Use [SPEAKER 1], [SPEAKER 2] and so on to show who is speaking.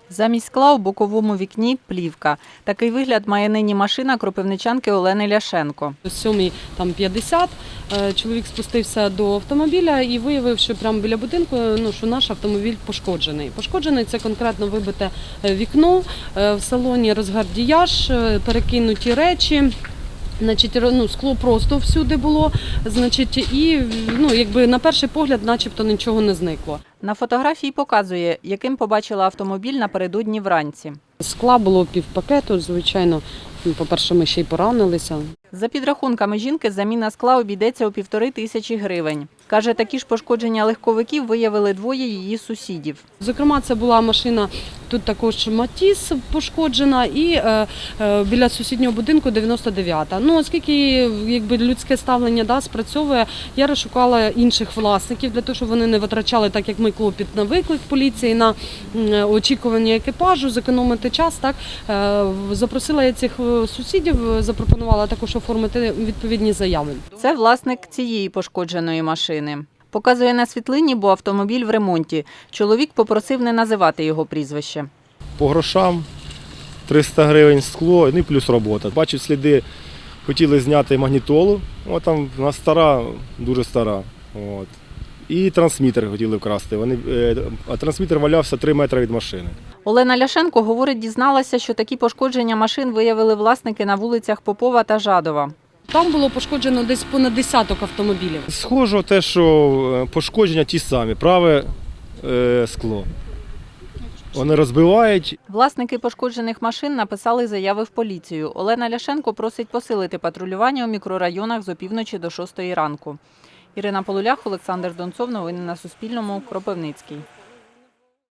[SPEAKER 1] Замість скла у боковому вікні – плівка. Такий вигляд має нині машина кропивничанки Олени Ляшенко.
[SPEAKER 2] О 7:50 чоловік спустився до автомобіля і виявив, що прямо біля будинку, що наш автомобіль пошкоджений. Пошкоджений – це конкретно вибите вікно, в салоні розгардіяж, перекинуті речі. Скло просто всюди було, і якби на перший погляд начебто нічого не зникло.
[SPEAKER 1] На фотографії показує, яким побачила автомобіль напередодні вранці.
[SPEAKER 2] Скла було півпакету, звичайно, по-перше, ми ще й поранилися.
[SPEAKER 1] За підрахунками жінки, заміна скла обійдеться у 1500 гривень. Каже, такі ж пошкодження легковиків виявили двоє її сусідів.
[SPEAKER 2] Зокрема, це була машина, тут також Матіс пошкоджена і біля сусіднього будинку 99-та. Оскільки людське ставлення спрацьовує, я розшукала інших власників для того, щоб вони не витрачали, так як ми, клопіт на виклик поліції, на очікування екіпажу, зекономити час. Запросила я цих сусідів, запропонувала також оформити відповідні заяви.
[SPEAKER 1] Це власник цієї пошкодженої машини. Показує на світлині, бо автомобіль в ремонті. Чоловік попросив не називати його прізвище.
[SPEAKER 3] По грошам 300 гривень скло, і плюс робота. Бачу сліди, хотіли зняти магнітолу, там вона стара, дуже стара. І трансмітер хотіли вкрасти, а трансмітер валявся 3 метри від машини.
[SPEAKER 1] Олена Ляшенко, говорить, дізналася, що такі пошкодження машин виявили власники на вулицях Попова та Жадова.
[SPEAKER 2] Там було пошкоджено десь понад десяток автомобілів.
[SPEAKER 3] Схоже те, що пошкодження ті самі, праве скло. Вони розбивають.
[SPEAKER 1] Власники пошкоджених машин написали заяви в поліцію. Олена Ляшенко просить посилити патрулювання у мікрорайонах з опівночі до 6 ранку. Ірина Полулях, Олександр Донцов. Новини на Суспільному. Кропивницький.